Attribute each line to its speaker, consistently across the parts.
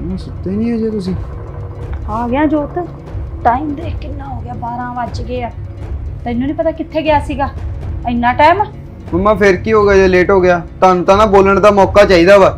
Speaker 1: ਸੁੱਤੇ ਨਹੀਂ ਅਜੇ ਤੁਸੀਂ?
Speaker 2: ਆ ਗਿਆ ਜੋਤ। ਟਾਈਮ ਦੇਖ ਕਿੰਨਾ ਹੋ ਗਿਆ, 12 ਵੱਜ ਗਏ ਆ। ਤੈਨੂੰ ਨਹੀਂ ਪਤਾ ਕਿੱਥੇ ਗਿਆ ਸੀਗਾ ਇੰਨਾ ਟਾਈਮ?
Speaker 1: ਮੰਮਾ ਫਿਰ ਕੀ ਹੋ ਗਿਆ ਜੇ ਲੇਟ ਹੋ ਗਿਆ? ਤੁਹਾਨੂੰ ਤਾਂ ਨਾ ਬੋਲਣ ਦਾ ਮੌਕਾ ਚਾਹੀਦਾ ਵਾ।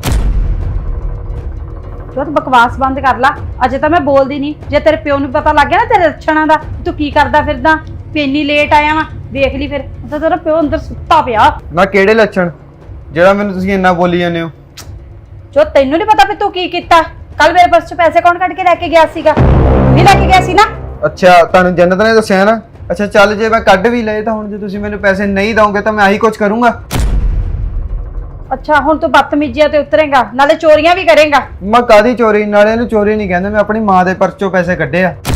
Speaker 2: ਜੋਤ ਬਕਵਾਸ ਬੰਦ ਕਰ ਲਾ। ਅਜੇ ਤਾਂ ਮੈਂ ਬੋਲਦੀ ਨਹੀਂ। ਜੇ ਤੇਰੇ ਪਿਓ ਨੂੰ ਪਤਾ ਲੱਗ ਗਿਆ ਨਾ ਤੇਰੇ ਲੱਛਣਾਂ ਦਾ, ਤੂੰ ਕੀ ਕਰਦਾ ਫਿਰਦਾ, ਵੀ ਇੰਨੀ ਲੇਟ ਆਇਆ ਵਾ, ਵੇਖ ਲਈ ਫਿਰ ਤਾਂ ਤੇਰਾ ਪਿਓ ਅੰਦਰ ਸੁੱਤਾ ਪਿਆ।
Speaker 1: ਨਾ ਕਿਹੜੇ ਲੱਛਣ ਜਿਹੜਾ ਮੈਨੂੰ ਤੁਸੀਂ ਇੰਨਾ ਬੋਲੀ ਜਾਂਦੇ ਹੋ?
Speaker 2: ਜੋ ਤੈਨੂੰ ਨਹੀਂ ਪਤਾ ਵੀ ਤੂੰ ਕੀ ਕੀਤਾ? ਕੱਲ ਮੇਰੇ ਪਰਸ ਚ ਪੈਸੇ ਕੌਣ ਕੱਢ ਕੇ ਲੈ ਕੇ ਗਿਆ ਸੀਗਾ? ਨਹੀਂ ਲੈ ਕੇ ਗਿਆ ਸੀ ਨਾ?
Speaker 1: ਅੱਛਾ, ਤੁਹਾਨੂੰ ਜੰਨਤ ਨੇ ਦੱਸਿਆ ਨਾ? ਅੱਛਾ ਚੱਲ, ਜੇ ਮੈਂ ਕੱਢ ਵੀ ਲਏ ਤਾਂ ਹੁਣ ਜੇ ਤੁਸੀਂ ਮੈਨੂੰ ਪੈਸੇ ਨਹੀਂ ਦੋਗੇ ਤਾਂ ਮੈਂ ਆਹੀ ਕੁਝ ਕਰੂੰਗਾ।
Speaker 2: ਅੱਛਾ, ਹੁਣ ਤੂੰ ਬਦਤਮੀਜ਼ੀਆਂ ਤੇ ਉਤਰੇਗਾ, ਨਾਲੇ ਚੋਰੀਆਂ ਵੀ ਕਰੇਗਾ।
Speaker 1: ਮੈਂ ਕਾਦੀ ਚੋਰੀ? ਨਾਲੇ ਇਹਨੂੰ ਚੋਰੀ ਨਹੀਂ ਕਹਿੰਦੇ, ਮੈਂ ਆਪਣੀ ਮਾਂ ਦੇ ਪਰਸ ਚੋਂ ਪੈਸੇ ਕੱਢੇ ਆ।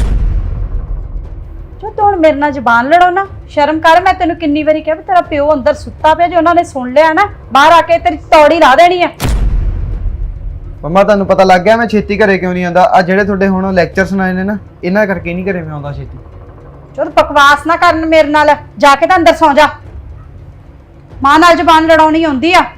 Speaker 2: ਜੋ ਤੂੰ ਹੁਣ ਮੇਰੇ ਨਾਲ ਜ਼ਬਾਨ ਲੜੋ ਨਾ, ਸ਼ਰਮ ਕਰ। ਮੈਂ ਤੈਨੂੰ ਕਿੰਨੀ ਵਾਰੀ ਕਿਹਾ ਵੀ ਤੇਰਾ ਪਿਓ ਅੰਦਰ ਸੁੱਤਾ ਪਿਆ, ਜੇ ਉਹਨਾਂ ਨੇ ਸੁਣ ਲਿਆ ਨਾ ਬਾਹਰ ਆ ਕੇ ਤੇਰੀ ਤੌੜੀ ਲਾ ਦੇਣੀ ਆ।
Speaker 1: ਮੰਮਾ ਤੁਹਾਨੂੰ ਪਤਾ ਲੱਗ ਗਿਆ ਮੈਂ ਛੇਤੀ ਘਰੇ ਕਿਉਂ ਨਹੀਂ ਆਉਂਦਾ? ਆ ਜਿਹੜੇ ਤੁਹਾਡੇ ਹੁਣ ਲੈਕਚਰ ਸੁਣਾਏ ਨੇ ਨਾ, ਇਹਨਾਂ ਕਰਕੇ ਨਹੀਂ ਘਰੇ ਮੈਂ ਆਉਂਦਾ ਛੇਤੀ।
Speaker 2: ਜੋ ਬਕਵਾਸ ਨਾ ਕਰਨ ਮੇਰੇ ਨਾਲ, ਜਾ ਕੇ ਤਾਂ ਅੰਦਰ ਸੌਂ ਜਾ। ਮਾਂ ਨਾਲ ਜ਼ਬਾਨ ਲੜਾਉਣੀ ਹੁੰਦੀ ਆ।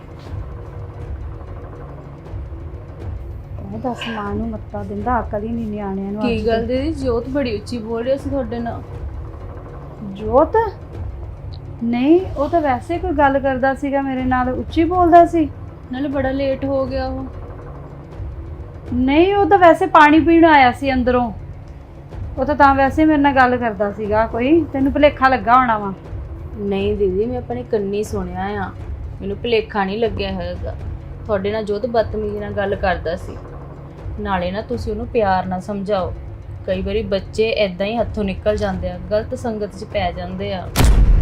Speaker 2: ਦੱਸ, ਮਾਂ ਨੂੰ ਮੱਤਾ ਦਿੰਦਾ, ਅਕਲ ਹੀ ਨਹੀਂ ਨਿਆਣਿਆਂ ਨੂੰ।
Speaker 3: ਕੀ ਗੱਲ ਦੀਦੀ, ਜੋਤ ਬੜੀ ਉੱਚੀ ਬੋਲ ਰਹੀ ਸੀ ਤੁਹਾਡੇ ਨਾਲ।
Speaker 2: ਜੋਤ? ਨਹੀਂ, ਉਹ ਤਾਂ ਵੈਸੇ ਕੋਈ ਗੱਲ ਕਰਦਾ ਸੀਗਾ ਮੇਰੇ ਨਾਲ, ਉੱਚੀ ਬੋਲਦਾ ਸੀ।
Speaker 3: ਨਾਲੇ ਬੜਾ ਲੇਟ ਹੋ ਗਿਆ ਉਹ।
Speaker 2: ਨਹੀਂ, ਉਹ ਤਾਂ ਵੈਸੇ ਪਾਣੀ ਪੀਣ ਆਇਆ ਸੀ ਅੰਦਰੋਂ। ਉਹ ਤਾਂ ਵੈਸੇ ਮੇਰੇ ਨਾਲ ਗੱਲ ਕਰਦਾ ਸੀਗਾ। ਕੋਈ ਤੈਨੂੰ ਭੁਲੇਖਾ ਲੱਗਾ ਹੋਣਾ ਵਾ।
Speaker 3: ਨਹੀਂ ਦੀਦੀ, ਮੈਂ ਆਪਣੇ ਕੰਨੀ ਸੁਣਿਆ ਆ, ਮੈਨੂੰ ਭੁਲੇਖਾ ਨਹੀਂ ਲੱਗਿਆ ਹੈਗਾ। ਤੁਹਾਡੇ ਨਾਲ ਜੋਤ ਬਦਤਮੀਜ਼ੀ ਨਾਲ ਗੱਲ ਕਰਦਾ ਸੀ। ਨਾਲੇ ਨਾ ਤੁਸੀਂ ਉਹਨੂੰ ਪਿਆਰ ਨਾਲ ਸਮਝਾਓ। ਕਈ ਵਾਰੀ ਬੱਚੇ ਐਦਾਂ ਹੀ ਹੱਥੋਂ ਨਿਕਲ ਜਾਂਦੇ ਆ, ਗਲਤ ਸੰਗਤ 'ਚ ਪੈ ਜਾਂਦੇ ਆ।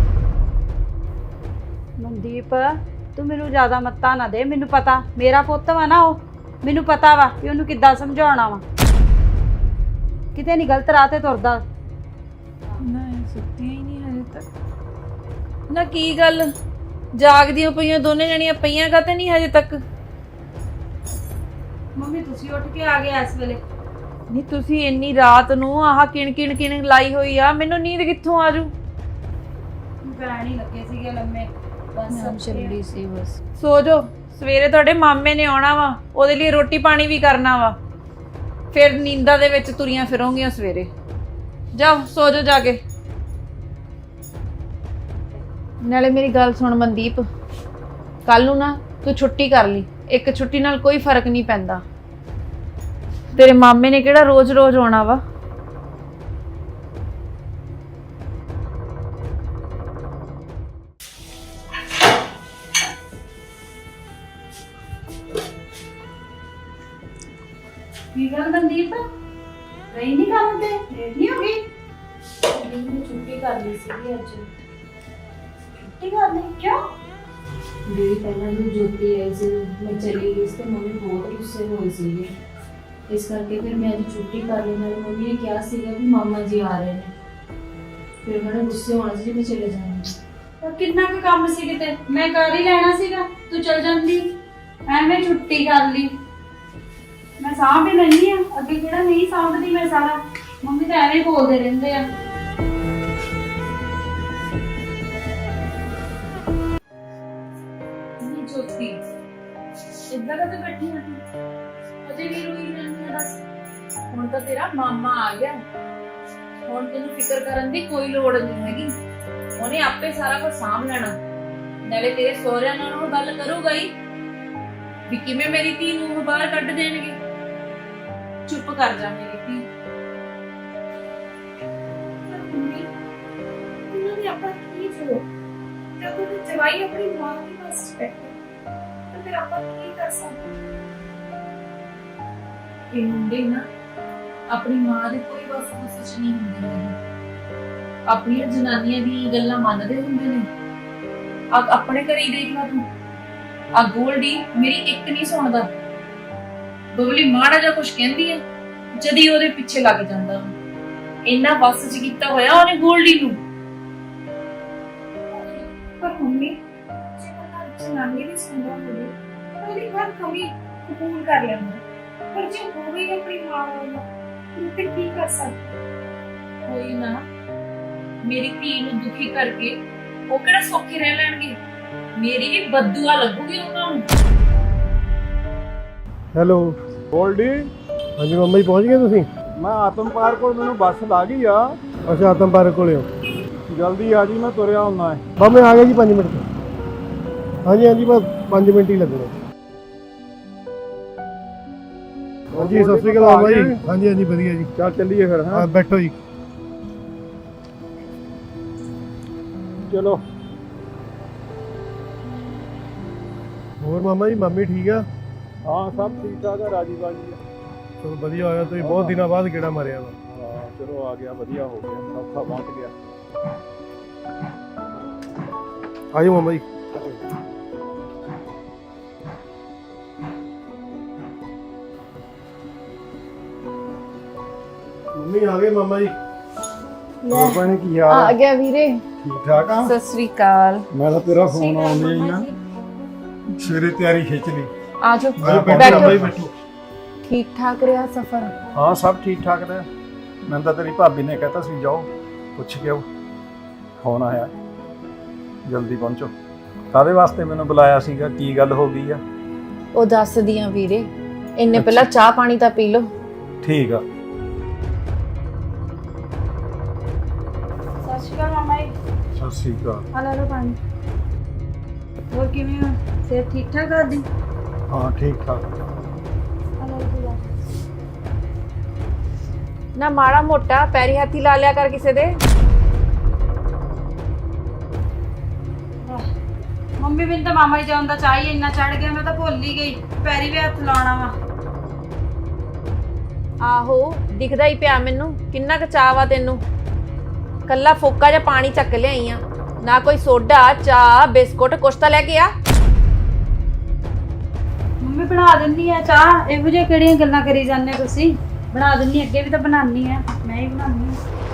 Speaker 2: ਮਨਦੀਪ, ਤੂੰ ਮੈਨੂੰ ਜ਼ਿਆਦਾ ਮੱਤਾ ਨਾ ਦੇ। ਮੈਨੂੰ ਪਤਾ, ਮੇਰਾ ਪੁੱਤ ਵਾ ਨਾ ਉਹ, ਮੈਨੂੰ ਪਤਾ ਵਾ ਕਿ ਉਹਨੂੰ ਕਿੱਦਾਂ ਸਮਝਾਉਣਾ ਵਾ। ਕਿਤੇ ਨਹੀਂ ਗਲਤ ਰਾਹ ਤੇ ਤੁਰਦਾ।
Speaker 3: ਨਹੀਂ, ਸੁੱਤੀਆਂ ਹੀ ਨਹੀਂ ਹਜੇ ਤੱਕ। ਨਾ ਕੀ ਗੱਲ, ਜਾਗਦੀਆਂ ਪਈਆਂ ਦੋਨੇ ਜਣੀਆਂ ਪਈਆਂ ਕਾਤੇ ਨਹੀਂ ਹਜੇ ਤੱਕ?
Speaker 2: ਮੰਮੀ ਤੁਸੀਂ ਉੱਠ ਕੇ ਆ ਗਏ ਇਸ ਵੇਲੇ?
Speaker 3: ਨਹੀਂ, ਤੁਸੀਂ ਇੰਨੀ ਰਾਤ ਨੂੰ ਆਹ ਕਿਣ ਲਾਈ ਹੋਈ ਆ, ਮੈਨੂੰ ਨੀਂਦ ਕਿੱਥੋਂ ਆਜੂ?
Speaker 2: ਪੈਣ ਹੀ ਲੱਗੇ ਸੀਗੇ ਲੰਮੇ, ਬਸ
Speaker 3: ਚੱਲੀ ਸੀ ਬਸ। ਸੋ ਜੋ, ਸਵੇਰੇ ਤੁਹਾਡੇ ਮਾਮੇ ਨੇ ਆਉਣਾ ਵਾ, ਉਹਦੇ ਲਈ ਰੋਟੀ ਪਾਣੀ ਵੀ ਕਰਨਾ ਵਾ, ਫਿਰ ਨੀਂਦਾਂ ਦੇ ਵਿੱਚ ਤੁਰੀਆਂ ਫਿਰੋਂਗੀਆਂ ਸਵੇਰੇ। ਜਾਓ ਸੋ ਜੋ ਜਾ ਕੇ। ਨਾਲੇ ਮੇਰੀ ਗੱਲ ਸੁਣ ਮਨਦੀਪ, ਕੱਲ ਨੂੰ ਨਾ ਤੂੰ ਛੁੱਟੀ ਕਰ ਲਈ। ਇੱਕ ਛੁੱਟੀ ਨਾਲ ਕੋਈ ਫਰਕ ਨਹੀਂ ਪੈਂਦਾ। ਤੇਰੇ ਮਾਮੇ ਨੇ ਕਿਹੜਾ ਰੋਜ਼-ਰੋਜ਼ ਆਉਣਾ ਵਾ।
Speaker 2: ਕੀ ਗੱਲ ਮਨਦੀਪ, ਗਈ ਨਹੀਂ ਕੰਮ ਤੇ? ਲੇਟ ਨਹੀਂ ਹੋ ਗਈ?
Speaker 3: ਮੈਂ ਛੁੱਟੀ ਕਰ ਲਈ ਸੀਗੀ ਅੱਜ।
Speaker 2: ਛੁੱਟੀ ਕਰ ਲਈ? ਕਿਉਂ?
Speaker 3: ਦੀਦੀ ਪਹਿਲਾਂ ਵੀ ਜੋਤੀ ਆਈ ਸੀ, ਮੈਂ ਚਲੀ ਗਈ ਸੀ ਤੇ ਮੰਮੀ ਬਹੁਤ ਗੁੱਸੇ ਹੋਈ ਸੀਗੀ। ਇਸ ਕਰਕੇ ਫਿਰ ਮੈਂ ਅੱਜ ਛੁੱਟੀ ਕਰ ਲਈ। ਨਾਲੇ ਮੰਮੀ ਨੇ ਕਿਹਾ ਸੀਗਾ ਵੀ ਮਾਮਾ ਜੀ ਆ ਰਹੇ ਨੇ, ਫਿਰ ਮੈਨੂੰ ਗੁੱਸੇ ਹੋਣਾ ਸੀ, ਮੈਂ ਚਲੇ ਜਾਣਾ।
Speaker 2: ਤਾਂ ਕਿੰਨਾ ਕੁ ਕੰਮ ਸੀ, ਕਿਤੇ ਮੈਂ ਕਰ ਹੀ ਲੈਣਾ ਸੀਗਾ, ਤੂੰ ਚਲ ਜਾਂਦੀ। ਐਵੇਂ ਛੁੱਟੀ ਕਰ ਲਈ। ਮੈਂ ਸਾਂਭ ਹੀ ਲੈਣੀ ਆ, ਅੱਗੇ ਕਿਹੜਾ ਨਹੀਂ ਸਾਂਭਦੀ ਮੈਂ ਸਾਰਾ। ਮੰਮੀ ਤਾਂ ਐਵੇਂ ਬੋਲਦੇ ਰਹਿੰਦੇ ਆ।
Speaker 3: ਜੋਤੀ ਇੱਦਾਂ ਕਦੇ ਬੈਠੀ ਆ ਤੂੰ? ਅਜੇ ਵੀ ਰੋਈ ਜਾਂਦੀ ਆ? ਬਸ ਹੁਣ ਤਾਂ ਤੇਰਾ ਮਾਮਾ ਆ ਗਿਆ, ਹੁਣ ਤੈਨੂੰ ਫਿਕਰ ਕਰਨ ਦੀ ਕੋਈ ਲੋੜ ਨਹੀਂ ਹੈਗੀ। ਉਹਨੇ ਆਪੇ ਸਾਰਾ ਕੁਝ ਸਾਂਭ ਲੈਣਾ। ਨਾਲੇ ਤੇਰੇ ਸਹੁਰਿਆਂ ਨਾਲ ਉਹ ਗੱਲ ਕਰੂਗਾ ਹੀ ਵੀ ਕਿਵੇਂ ਮੇਰੀ ਧੀ ਨੂੰ ਬਾਹਰ ਕੱਢ ਦੇਣਗੇ। ਚੁੱਪ ਕਰ ਜਾ ਮੇਰੀ ਧੀ।
Speaker 4: ਉਹਨਾਂ ਨੇ ਆਪਾਂ ਕੀ ਜੋ ਜਦੋਂ ਤੇ ਜਵਾਈ ਆਪਣੀ ਮਾਂ ਦੀ ਬਸ ਬੈਠੇ ਤਾਂ ਫਿਰ ਆਪਾਂ ਕੀ ਕਰ ਸਕਦੇ?
Speaker 3: ਇਹ ਮੁੰਡੇ ਨਾ ਆਪਣੀ ਮਾਂ ਦੇ ਕੋਈ ਵਸ ਚ ਨਹੀਂ ਹੁੰਦੇ ਨੇ। ਆਪਣੀਆਂ ਜਨਾਨੀਆਂ ਦੀਆਂ ਗੱਲਾਂ ਮੰਨਦੇ ਹੁੰਦੇ ਨੇ। ਆਪਣੇ ਘਰੇ ਹੀ ਦੇਖ ਲਾ ਤੂੰ, ਆ ਗੋਲਡੀ ਮੇਰੀ ਇੱਕ ਨਹੀਂ ਸੁਣਦਾ। ਬਬਲੀ ਮਾੜਾ ਜਿਹਾ ਕੁਝ ਕਹਿੰਦੀ ਹੈ, ਜਦੀ ਉਹਦੇ ਪਿੱਛੇ ਲੱਗ ਜਾਂਦਾ। ਇੰਨਾ ਵਸ ਚ ਕੀਤਾ ਹੋਇਆ ਉਹਨੇ ਗੋਲਡੀ ਨੂੰ।
Speaker 4: ਪਰ ਮੰਮੀ ਜੇ ਬੰਦਾ ਜਨਾਨੀ ਦੀ ਸੁਣਦਾ ਹੋਵੇ ਤਾਂ ਉਹਦੀ ਹਰ ਕਮੀ ਕਬੂਲ ਕਰ ਲੈਂਦਾ। ਪਰ ਜੇ ਹੋਵੇ ਆਪਣੀ ਮਾਂ ਵਾਲਾ ਤਾਂ ਫਿਰ ਕੀ ਕਰ ਸਕਦਾ?
Speaker 3: ਕੋਈ ਨਾ, ਮੇਰੀ ਧੀ ਨੂੰ ਦੁਖੀ ਕਰਕੇ ਉਹ ਕਿਹੜਾ ਸੌਖੇ ਰਹਿ ਲੈਣਗੇ। ਮੇਰੀ ਵੀ ਬਦਦੁਆ ਲੱਗੂਗੀ ਉਹਨਾਂ ਨੂੰ।
Speaker 5: ਹੈਲੋ ਗੋਲਡੀ, ਹਾਂਜੀ ਮੰਮਾ ਜੀ ਪਹੁੰਚ ਗਏ ਤੁਸੀਂ?
Speaker 6: ਮੈਂ ਆਤਮ ਪਾਰਕ ਕੋਲ ਮੈਨੂੰ ਬੱਸ ਲਾ ਗਈ ਆ।
Speaker 5: ਅੱਛਾ ਆਤਮ ਪਾਰਕ ਕੋਲੇ ਹੋ?
Speaker 6: ਜਲਦੀ ਆ ਜੀ, ਮੈਂ ਤੁਰਿਆ ਹੁੰਦਾ ਹੈ।
Speaker 5: ਬਸ ਮੈਂ ਆ ਗਿਆ ਜੀ 5 ਮਿੰਟ ਤੋਂ। ਹਾਂਜੀ ਹਾਂਜੀ ਬਸ 5 ਮਿੰਟ ਹੀ ਲੱਗਣੇ। ਹਾਂਜੀ ਸਤਿ ਸ਼੍ਰੀ ਅਕਾਲ ਬਾਬਾ ਜੀ। ਹਾਂਜੀ ਹਾਂਜੀ ਵਧੀਆ ਜੀ।
Speaker 6: ਚੱਲ ਚੱਲੀਏ ਫਿਰ। ਹਾਂ
Speaker 5: ਬੈਠੋ ਜੀ।
Speaker 6: ਚਲੋ।
Speaker 5: ਹੋਰ ਮਾਮਾ ਜੀ ਮੰਮੀ ਠੀਕ ਆ?
Speaker 6: ਹਾਂ ਸਭ ਠੀਕ ਠਾਕ ਆ, ਰਾਜੀ ਬਾਜੀ ਆ।
Speaker 5: ਚਲੋ ਵਧੀਆ ਹੋਇਆ, ਤੁਸੀਂ ਬਹੁਤ ਦਿਨਾਂ ਬਾਅਦ ਗੇੜਾ ਮਾਰਿਆ ਵਾ।
Speaker 6: ਹਾਂ ਚਲੋ ਆ ਗਿਆ, ਵਧੀਆ ਹੋ ਗਿਆ, ਸੌਖਾ ਪਹੁੰਚ ਗਿਆ।
Speaker 5: ਆਜੋ ਮਾਮਾ ਜੀ। ਮੰਮੀ ਆ ਗਏ ਮਾਮਾ ਜੀ।
Speaker 6: ਹੋਰ ਭੈਣੇ ਕੀ ਹਾਲ
Speaker 3: ਆ ਗਿਆ ਵੀਰੇ।
Speaker 6: ਠੀਕ ਠਾਕ ਆ?
Speaker 3: ਸਤਿ ਸ੍ਰੀ ਅਕਾਲ।
Speaker 6: ਮੈਂ ਤਾਂ ਤੇਰਾ ਫੋਨ ਆਉਂਦੇ ਹੀ ਨਾ ਸਵੇਰੇ ਤਿਆਰੀ ਖਿੱਚ ਲਈ।
Speaker 3: ਆਜੋ
Speaker 5: ਬੈਠੋ।
Speaker 3: ਠੀਕ ਠਾਕ ਰਿਹਾ ਸਫ਼ਰ?
Speaker 6: ਹਾਂ ਸਭ ਠੀਕ ਠਾਕ ਰਿਹਾ। ਮੈਨੂੰ ਤਾਂ ਤੇਰੀ ਭਾਬੀ ਨੇ ਕਹਿਤਾ ਸੀ ਜਾਓ ਪੁੱਛ ਕੇ ਆਓ, ਫੋਨ ਆਇਆ ਜਲਦੀ ਪਹੁੰਚੋ। ਕਾਹਦੇ ਵਾਸਤੇ ਮੈਨੂੰ ਬੁਲਾਇਆ ਸੀਗਾ, ਕੀ ਗੱਲ ਹੋ ਗਈ ਆ?
Speaker 3: ਉਹ ਦੱਸਦੀ ਆ ਵੀਰੇ, ਇੰਨੇ ਪਹਿਲਾਂ ਚਾਹ ਪਾਣੀ ਤਾਂ ਪੀ ਲਓ।
Speaker 6: ਠੀਕ ਆ।
Speaker 2: ਸਤਿ ਸ਼੍ਰੀ ਅਕਾਲ ਮਾਮਾ ਜੀ।
Speaker 6: ਸਤਿ ਸ਼੍ਰੀ ਅਕਾਲ।
Speaker 2: ਆ ਲੈ ਲਓ ਪਾਣੀ। ਹੋਰ ਕਿਵੇਂ ਹੋ? ਸਿਹਤ ਠੀਕ ਠਾਕ ਤੁਹਾਡੀ?
Speaker 6: ਹਾਂ ਠੀਕ ਠਾਕ।
Speaker 2: ਆ ਲੈ ਲਓ।
Speaker 3: ਨਾ ਮਾੜਾ ਮੋਟਾ ਪੈਰੀ ਹੱਥੀ ਲਾ ਲਿਆ ਕਰ ਕਿਸੇ ਦੇ।
Speaker 2: ਮੰਮੀ ਮੈਨੂੰ ਤਾਂ ਮਾਮਾ ਜੀ ਜਾਣ ਦਾ ਚਾਹ ਹੀ ਇੰਨਾ ਚੜ ਗਿਆ, ਮੈਂ ਤਾਂ ਭੁੱਲ ਹੀ ਗਈ ਪੈਰੀ ਵੀ ਹੱਥ ਲਾਉਣਾ ਵਾ।
Speaker 3: ਆਹੋ ਦਿਖਦਾ ਹੀ ਪਿਆ ਮੈਨੂੰ ਕਿੰਨਾ ਕੁ ਚਾਅ ਵਾ ਤੈਨੂੰ। ਕੱਲਾ ਫੋਕਾ ਜਿਹਾ ਪਾਣੀ ਚੱਕ ਲਿਆਈ ਆ, ਨਾ ਕੋਈ ਸੋਡਾ ਚਾਹ ਬਿਸਕੁਟ ਕੁਛ ਤਾਂ ਲੈ ਕੇ ਆ।
Speaker 2: ਮੰਮੀ ਬਣਾ ਦਿੰਨੀ ਆ ਚਾਹ, ਇਹੋ ਜਿਹੀਆਂ ਕਿਹੜੀਆਂ ਗੱਲਾਂ ਕਰੀ ਜਾਂਦੇ ਤੁਸੀਂ? ਬਣਾ ਦਿੰਨੀ, ਅੱਗੇ ਵੀ ਤਾਂ ਬਣਾਉਣੀ ਆ, ਮੈਂ ਹੀ ਬਣਾਉਣੀ ਆ।